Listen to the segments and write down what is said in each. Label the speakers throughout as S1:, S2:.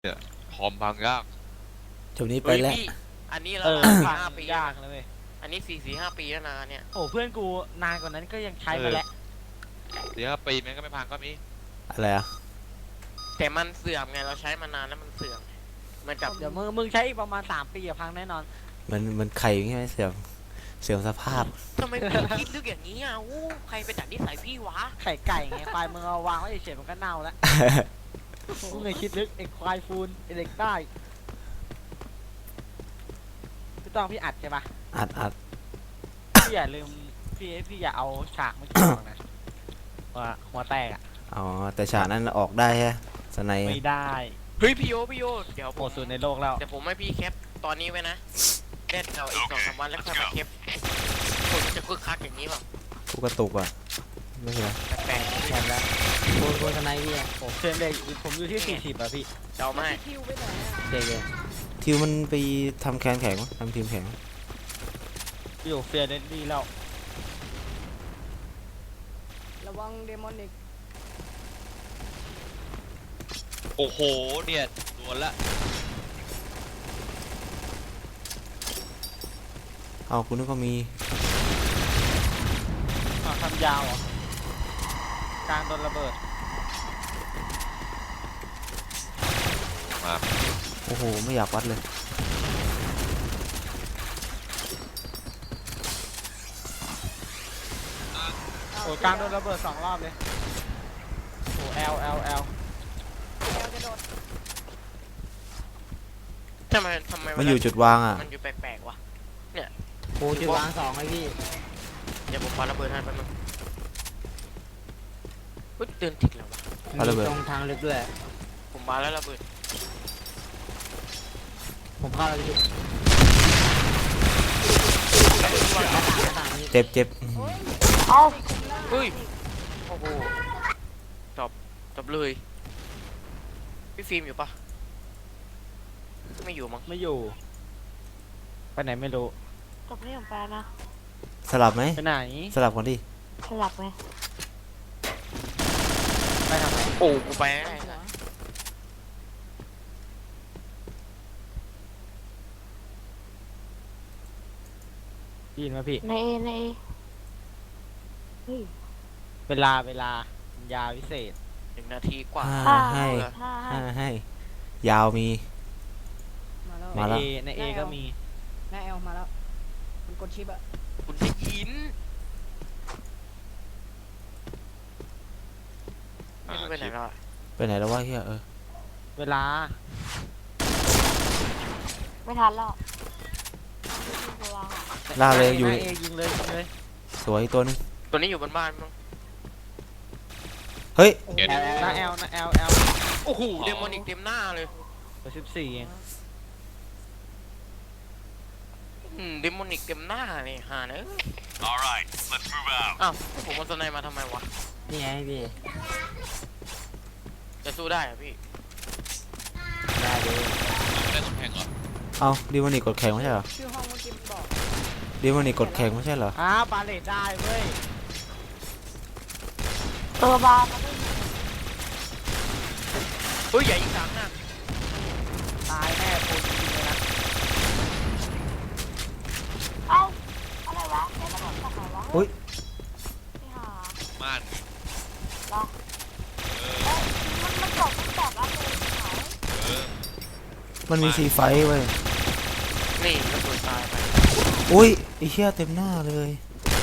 S1: เนี่ยคอมพังยาก
S2: จบนี้ไปแล้ว
S3: พี่อันนี้แล้วนะ4-5 ปี
S4: ยากเลยเว้ย
S3: อันนี้4-5 ปีแล้วนะเนี่ย
S4: โอ้เพื่อนกูนานกว่านั้นก็ยังใช้มาแล้ว
S1: 4-5 ปีแม่งก็ไม่พังก็มี
S2: อะไรอ่ะ
S3: แต่มันเสื่อมไงเราใช้มานานแล้วมันเสื่อมเหมือนกับ
S4: เดี๋ยวมึงใช้อีกประมาณ3 ปีอะพังแน่นอน
S2: มันไข่อย่างงี้ไหมเสื่อมสภาพ
S3: ทำไมพี่คิดลึกอย่างนี้อ่ะอู้ใครไปจัดนิสัยพี่วะ
S4: ไข่ไก่ไงควายมึงเอาวางไว้เฉยๆมันก็เน่าแล้วมึงเลยคิดลึกไอ้ควายฟูนไอ้เด็กใต้พี่ต้องพี่อัดใช่ปะ
S2: อัด
S4: พี่อย่าลืมพี่อย่าเอาฉากไม่ถูกนะว่าหัวแตกอะ
S2: อ๋อแต่ฉากนั้นออกได้ใช่ไหมสไนป์
S4: ไม่ได้
S3: เฮ้ยพี่โยเดี๋ยว
S4: โหดสุดในโลกแล้ว
S3: เดี๋ยวผมให้พี่แคปตอนนี้ไว้นะเล่นเราอีก2-3 วันแล้วค่อยมาแคปคนจะคึกคักอย่างนี้ป่ะ
S2: กูกระตุกอ่ะไม่เป็นไร
S3: แปลก
S4: แข่งแล้วโดนสไนพี่อะโอ้เพื่อนเลยผมอยู่ที่40อะพี่
S3: ๆเดาไม่
S4: เจ๊
S2: ทิวมันไปทำแคนแข็งวะทำทีมแข็ง
S4: อยู่เฟียร์เดนดี้แล้ว
S5: ระวังเดมอนิก
S1: โอ้โหเนี่ยโดนละ
S2: เอาคุณนึกว่ามี
S4: ทำยาวเหรอการโดนระเบิด
S1: มา
S2: โอ้โหไม่อยากวัดเลย
S4: โอ้การโดนระเบิด2 รอบเลยโอ้L
S5: แอลจะโดด
S3: ทำไม
S2: มันอยู่จุดวางอ่ะ
S3: มันอยู่แปลกๆวะ
S4: โอ้จุดวาง2ไอ้พี่
S3: เดี๋ยวผมปาระเบิดให้แป๊บนึงอุ๊ยเตือนติดแล้ววะ
S2: ปาระเบิด
S4: ตรงทางลึกด้วย
S3: ผมมาแล้วระเบิด
S4: ผมเข้าแล้วพี่
S2: เจ็บอื้อหือ
S3: เฮ้ย โอ้โหจบเลยพี่ฟิล์มอยู่ปะไม่อยู่มั้ง
S4: ไม่อยู่ไปไหนไม่รู้
S5: จบนี่ของแฟนนะ
S2: สลับไหม
S4: ไปไหน
S2: สลับก่อนดิ
S5: สลับไหม
S4: ไปทำไม
S3: โอ้กูไปไม่ได้นะ
S4: ยินมาพี่
S5: ในเฮ้ย
S4: เวลายาวิเศษ
S3: 1 นาทีกว่า
S2: ให้
S5: ห้า
S2: ให้ยาวมี
S5: มาแล้ว
S2: มาแล้ว
S4: ในเอก็มี
S5: หน้าแอลมาแล้วมันกดชิปอะ
S3: คุณได้ยินไม่รู้ไปไหนแล้วอะ
S2: ไปไหนแล้ววะเฮีย
S4: เวลา
S5: ไม่ทันแล้ว
S2: ล่าเลยอยู่
S4: ในเอยิงเลย
S2: สวยตัวนึง
S3: ตัวนี้อยู่บนบ้านมั้ง
S2: เฮ้ย
S1: เห็น
S4: หน้า L
S3: โอ้โหเดมอนิกเต็มหน้าเลย
S4: เบอร์14เอง
S3: เดมอนิกเต็มหน้าเลยหาเนอะ
S1: alright let's move out
S3: อ้าวผมเอาสไนมาทำไมวะ
S4: นี่ไงพี่
S3: จะสู้ได้เหรอะพี่
S4: ได้เลย
S1: ได้สมแข่งเหรอ
S2: เอาดีมันนี่กดแข่งไม่ใช่เหรอ
S5: ชื่อห้องเมื่อกี้มันบอก
S2: ดีมันนี่กดแข่งไม่ใช่เหรอ
S4: บาเลตได้เว้ย
S5: ตัวบาร์มาด้วย
S3: เฮ้ยใหญ่อีก3 หน้า
S4: ตายแน่โคตรจริงเลยนะ
S5: เอ้าอะไรวะแค่ระเบิดจากไหนวะ
S2: อุ๊ย
S5: ไม่หา
S1: ม่าน
S5: เหรอมันจบตั้งแต่ละเลยหาย
S1: เออ
S2: มันมีซีไฟท์เว้ย
S3: นี่ระเบิดตายไป
S2: อุ้ยไอ้เหี้ยเต็มหน้าเลย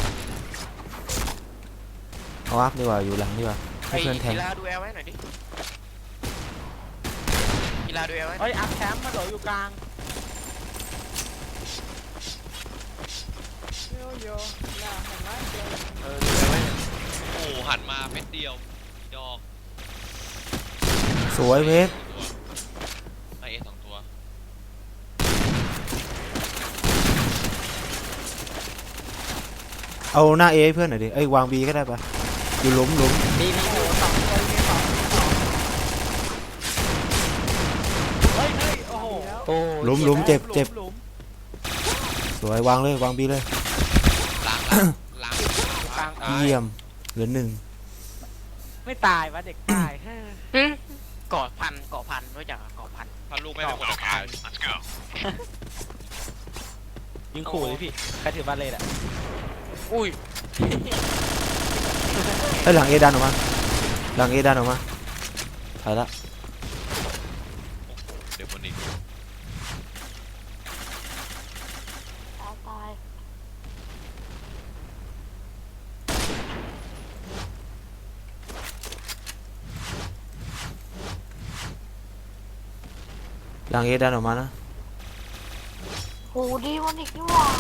S2: เอาอัพดีกว่าอยู่หลังดีกว่าให้
S3: ไอ้
S2: เพื่อนแทง
S3: กีฬาดูแอลไว้หน่อยดิกีฬาดูแอลไว้
S4: เฮ้ยอัพแชมป์มาโดดอยู่กลาง
S5: โยโย่น่าเห็นไหมเดี๋ยว
S3: ดูแอลไว้
S1: โอ้หันมาเม็ดเดียวดอก
S2: สวยเพชร
S1: ตัวไอเอ2 ตัว
S2: เอาหน้าเอให้เพื่อนหน่อยดิเอ้ยวางบีก็ได้ปะอยู่หลุม
S4: มีอยู่2 ตัวมี2เฮ้ยโอ้โห
S2: หลุมเจ็บ
S4: หลุม
S2: สวยวางเลยวางบีเลย
S1: ล้าง
S4: กลาง
S2: เยี่ยมเหลือ1
S4: ไม่ตายวะเด็กตาย
S3: หึเกาะพันรู้จักเกาะพัน
S1: ถ้าลูกไม่เป็นคนละคาย
S4: ยิงขู่เลยพี่ใครถือบาเลตอ่ะ
S3: อุ้ย
S2: เอ้ยหลังเอดันออกมาหลังเอดันออกมาถอยละ
S1: เดี๋ยวคนนี้
S5: ตาย
S2: หลังเอดันออกมานะ
S5: หูดีมันอีกนี่หว่า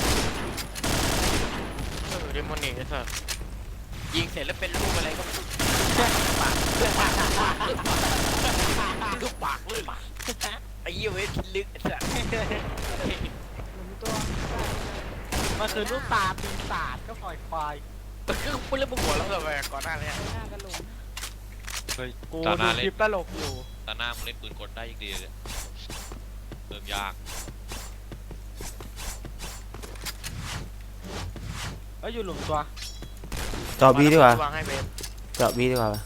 S3: เดมอนนี่ไอ้สัสยิงเสร็จแล้วเป็นรูปอะไรก็ไม่รู้ปากลูกปากเลยไอ้เหี้ยเว้ยพิลึกไอ้สัส
S4: มันคือลูกตาปีศาจก็ปล่อยควาย
S3: คือพูดเรื่องหัวแล้วแบบก่อนหน้านี้
S1: เฮ้ย
S4: กู
S1: ตาห
S4: ดู
S1: น้า
S4: ค
S1: เล่
S4: ลิ
S1: น
S4: ปตลกอยู่
S1: ตาหน้ามึงเล่นปืนกลได้อีกดีเลยเริ่มยาก
S4: เอ้ยอยู่หลุมตัว
S2: เจาะบีดีกว่า
S3: วางให้เวฟ
S2: เจาะบีดีกว่า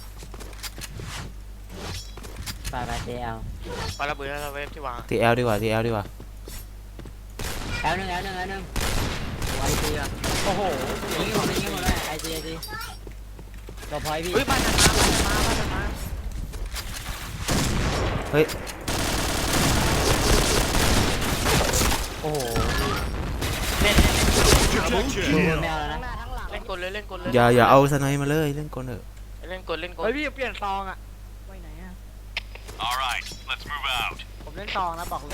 S4: ตายไปเจล
S3: ปาระเบิดแล้วเวฟที่วาง
S2: ทีเอลดีกว่าทีเอลดีกว่า
S6: แอลหนึ่งไอซีอ่ะ
S4: โอ้โห
S6: ยิงหมดเลยไอซีต่อพอยพี่
S3: เฮ้ยบ้านมา
S2: เฮ้ย
S4: โอ้โห
S3: เล่น
S6: ดูแมวแล้วนะ
S3: เล่นกลเลยเล่นกลเลย
S2: อย่าเอาสไนมาเลยเล่นกลเถอะ
S3: เล่นกล
S4: เฮ้ยพี่เปลี่ยนซองอ่ะ
S6: ไปไหนอ่ะ
S4: ผมเล่นซองนะบอกเลย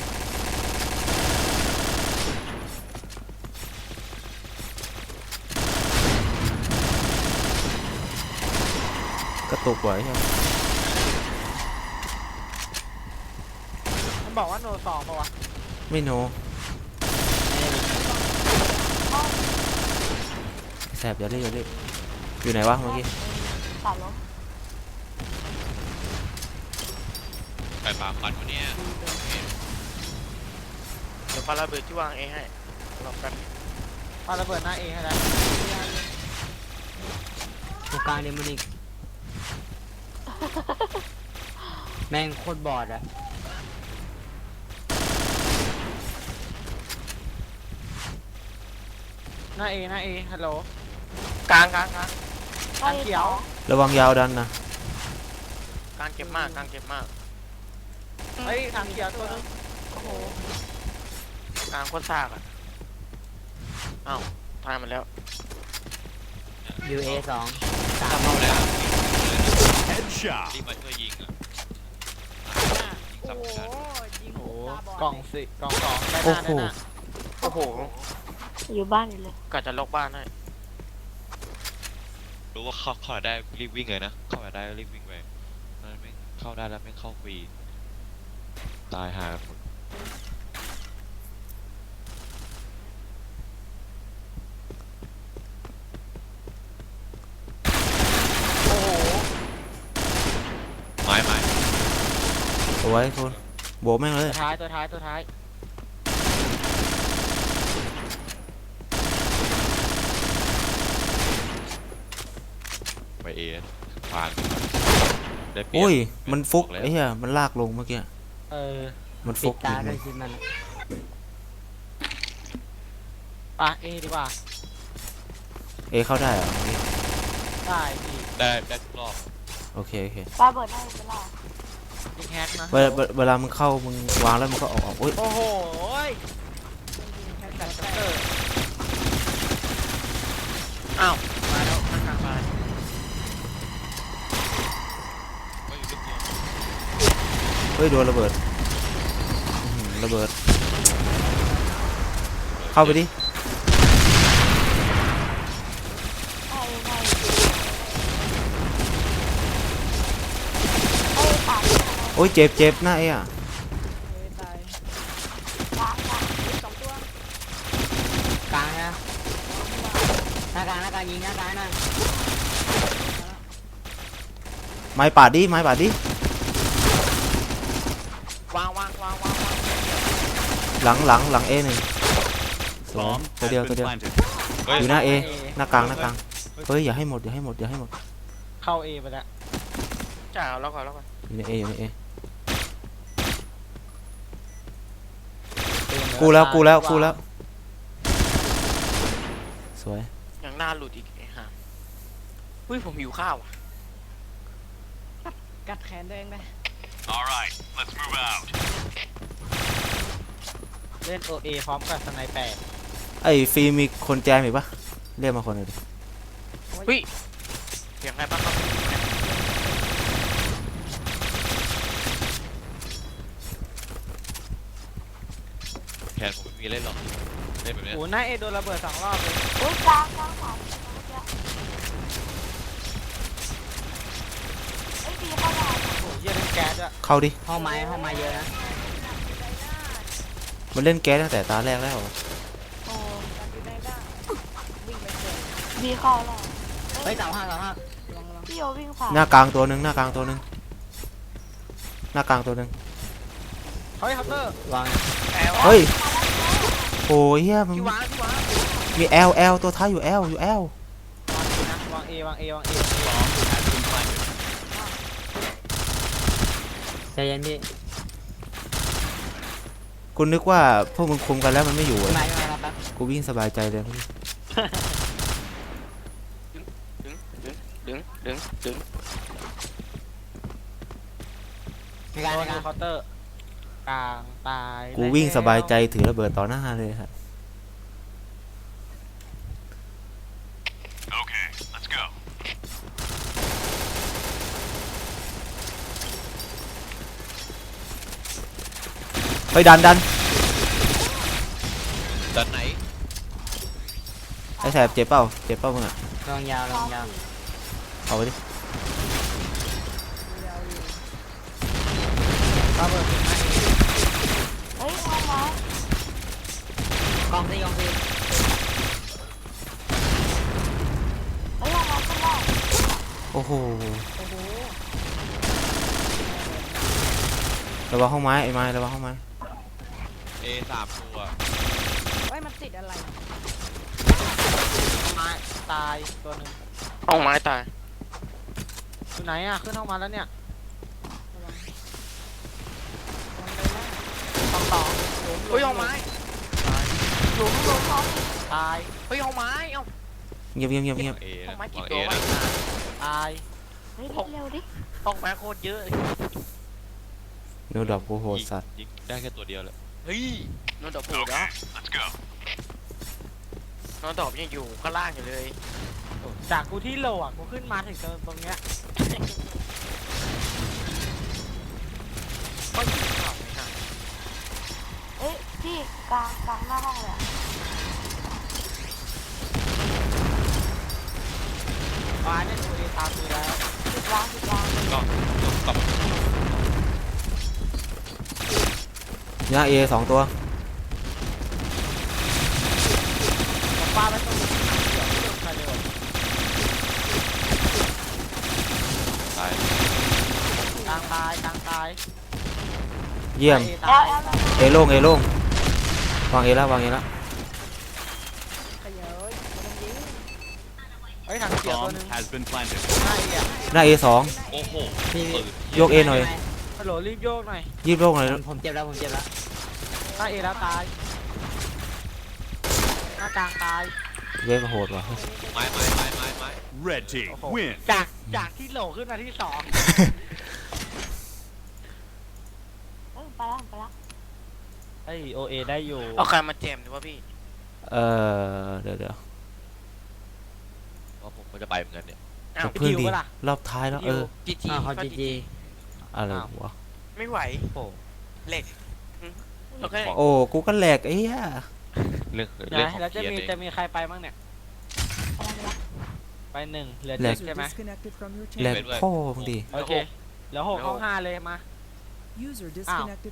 S2: กระตุกไว้ใช่ไหม
S4: มันบอกว่าโนซองปะวะ
S2: ไม่โนแสบอย่าเล่นอย่าเล่นอยู่ไหนวะเมื่อกี้
S5: ตัดล้ม
S1: ไก่ปลาควันวันนี้
S3: เดี๋ยวปาระเบิดที่วางเองให้รอกัน
S4: ปาระเบิดหน้าเองให้แล้ว
S6: ตรงกลางเดมอนิกแม่งโคตรบอดอ่ะ
S4: หน้าเอฮัลโหล
S3: กลาง
S4: ทางเขียว
S2: ระวังยาวดันนะ
S3: กลางเจ็บมาก
S4: เฮ้ยทางเขียวตัวนึง
S5: โอ้โห
S3: กลางโคตรซากอ่ะอ้าวตายมันแล้ว
S6: ยูเอสอง
S1: ถ้าเข้าแล้วรีบมาช่วยยิงอ่ะยิง
S5: โอ้
S1: ซ้ำ
S5: โห
S1: กัน
S5: ยิง
S4: โอ้
S5: หู
S4: โห
S5: ตาบอด
S4: กล่องสิกล่องสองได้ห
S2: โอ้
S4: น้า
S2: โห
S4: ได้หน้า
S3: โอ้โห
S5: อยู่บ้านอยู่เลย
S3: กะจะล็อกบ้านให้
S1: รู้ว่าเข้าได้รีบวิ่งเลยนะเข้าได้รีบวิ่งไปมันไม่เข้าได้แล้วไม่เข้าฟรีตายหาหมด
S3: โอ้โห
S1: ไม้
S2: เอาไว้คุณโบกแม่งเลย
S4: ตัวท้าย
S1: ไปเอฟานได้เปรียบ
S2: โอ้ยมันฟุก
S1: บอกแล้ว
S2: ไอ้เหี้ยมันลากลงเมื่อกี้
S4: เออ
S2: มัน
S6: ปิ
S2: ฟุ
S6: ด
S2: ก
S6: ตา
S2: จริง
S6: ด้วยสิมัน
S4: ปะเอดีกว่า
S2: เอเข้าได้เหรอเมื่อกี้
S4: ได้พี่
S1: ได้ทุกรอบ
S2: โอเคโอเค
S5: ปาเบิดได้เวลา
S4: ยิงแฮกนะ
S2: เวลามึงเข้ามึงวางแล้วมึงก็ออกโอ้ย
S4: โอ้โหยแฮกแบบเตอร์
S3: อ้าวมาแล้วข้างกลางมา
S1: ก็อยู่ลึกเดียว
S2: เฮ้ยโดนระเบิดอื้อหือระเบิดเข้าไปดิ
S5: ได้ตาย
S2: โอ้ยเจ็บหน้าเอ้อะ
S5: กลางสองตัว
S6: กลางนะหน้ากลางยิงหน้ากลางนะ
S2: ไม้ปาดดิไม้ปาดดิ
S3: วาง
S2: หลังเอหนึ่งสวยตัวเดียว
S1: เฮ้ย
S2: อยู่หน้าเอหน้ากลางเฮ้ยอย่าให้หมด
S4: เข้าเอไปแล้ว
S3: จ่าแล้วก่อน
S2: อยู่ในเออยู่ในเอกูแล้วกูแล้วกูแล้วสวย
S3: ยังหน้าหลุดอีกไอ้ห่าอุ้ยผมหิวข้าวอ่ะ
S4: กัดแขนตัวเองไป
S7: All right, let's move out.
S4: เล่นโอเอพร้อมกับสไนเปอร์
S2: ไอ้ฟิล์มมีคนแจมอีกปะเรียกมาคนหนึ่งดิ
S3: อุ้ยเสียงอะไรบ้างครับ
S1: แคนผมไม่มีเล่นหรอกเล่นแบบเนี้ย
S4: โอ้หน้าเอโดนระเบิด2 รอบเลย
S5: อุ้ยกลางสามเมื่อกี้เอ้ยดีเข้าได้
S4: โอ้เยี่ยเล่นแก๊สด้วย
S2: เข้าดิ
S6: ห้องไม้เยอะนะ
S2: มันเล่นแก๊สตั้งแต่ตาแรกแล้ว
S5: โอ้ดีเข้าแล้ว
S6: เฮ้ยเสาห้า
S5: พี่โยวิ่งผ่าน
S2: หน้ากลางตัวหนึ่งหน้ากลางตัวหนึ่งหน้ากลางตัวหนึ่ง
S4: เฮ้ยคัพเตอร์
S6: วาง
S3: แอล
S2: เฮ้ยโอ้ยเฮียมึง
S3: ที่วาง
S2: มีแอลตัวท้ายอยู่แอลอยู่แอล
S4: วางเอวางเอวางเอ
S6: ใจเย็นพี่
S2: กูนึกว่าพวกมึงคุมกันแล้วมันไม่อยู่
S6: ไม่
S2: อะ
S6: ไม่ครับแป๊บ
S2: กูวิ่งสบายใจเลย
S3: ดึง
S6: ในการ
S4: โด
S6: ใน
S4: น
S6: การ
S4: เคาน์เตอร์กลางตาย
S2: กูวิ่งสบายใจถือระเบิดต่อหน้าเลยครับ
S7: Okay, let's go.
S2: ไปดัน
S1: ด้านไหน
S2: ไอ้แสบเจ็บเปล่ามึงอะ
S6: ลองยาว
S2: เอาไปดิ
S4: ระเบิดถึงหน้าเอ
S5: เฮ้ยเอาไว้
S6: กองซี
S5: เฮ้ยเอาไว้ขึ้นได้
S2: โอ้โหระวังห้องไม้ไอ้ไม้ระวังห้องไม้
S1: เอสามตัว
S4: ไม้ตายตัวหนึ่ง
S3: ห้องไม้ตาย
S4: อยู่ไหนอ่ะขึ้นห้องมาแล้วเนี่ยต่อ
S3: เฮ้ยห้องไม้
S5: หลุมเขา
S4: ตาย
S3: เฮ้ยห้องไม้เอ้า
S2: เงียบ
S1: เอ
S3: ห้
S1: นะ
S3: องไม้กี่
S1: วาง
S3: ตัว
S1: เอ
S3: วะ
S1: นะ
S4: ตาย
S5: เฮ้ยเร็วดิ
S3: ห้องไม้โคตรเยอะเลย
S2: เนื้อดอกกูโหดสัตว์
S1: ยิงได้แค่ตัวเดียวเลย
S3: เฮ้ยนอนดอกผูดแล้ว
S7: Let's go.
S3: นอนดอกยังอยู่ข้างล่างอยู่เลย
S4: จากกูที่โหลอ่ะกูขึ้นมาถึงตรงเนี้ย
S3: ก็อยู่ข้างไม่ใช่
S5: เอ้ยพี่กลางหน้าห้องเลย
S4: ฟ้าเนี่ยโอเอตามมือแล้ว
S5: ติดวาง
S1: ก็กลับ
S2: หน้าเอสองตัว
S4: ฟ้าไปตรงนี้เดี๋ยวไม่โดนใครเลย
S1: ตาย
S4: กลางตาย
S2: เยี่ยม
S4: เอ
S5: แล้
S4: ตา
S5: วย แล้ว
S2: เอโล่งวางเอแล้ว
S4: เฮ้ยถังเสียตัวหนึง
S7: Has been planted.
S4: หน้าเออะ
S2: หน้าเอสอง
S1: โอ้โห
S6: พี่
S1: ปืน
S2: ยกเอหน่อย
S4: ฮัลโหลรีบโยกหน่อย
S2: ยีบโล่งหน่อย
S6: ผมเจ็บแล้ว
S4: หน้าเอแล้วตายหน้ากลางตาย
S2: เวฟโหดว่ะ
S1: ไม้
S7: Red team
S4: โอ้โห
S7: win.
S4: จากที่โหลขึ้นมาที่2
S5: ไปแล้ว
S4: ไอโอเอได้อยู่
S3: เอาใครมาแจมดีวะพี่
S2: เดี๋ยว
S1: เพราะผมก็จะไปเหมือนกันเนี่ย
S3: อ้าว
S2: เพิ่งดีรอบท้ายแล้ว
S3: จีจี
S6: เขาจีจี
S2: อะไรวะ
S3: ไม่ไหว
S4: โอ้โห
S3: เหล็กโอเค
S2: โอ้กูก็แหลกไอ้เหี้ย
S1: เรื่อง
S4: นะ
S1: ของ
S4: แล้วจะ
S1: เกียร์
S4: มี
S1: เอง
S4: จะมีใครไปบ้างเนี่ย ไป1เหลือ
S2: แหลก
S4: 7ใช่ไหม
S8: Disconnected from your
S2: แหลก
S8: channel.
S2: พ่อมึงดิ
S4: โอเคเหลือ6ห้อง5เลยมา
S8: User disconnected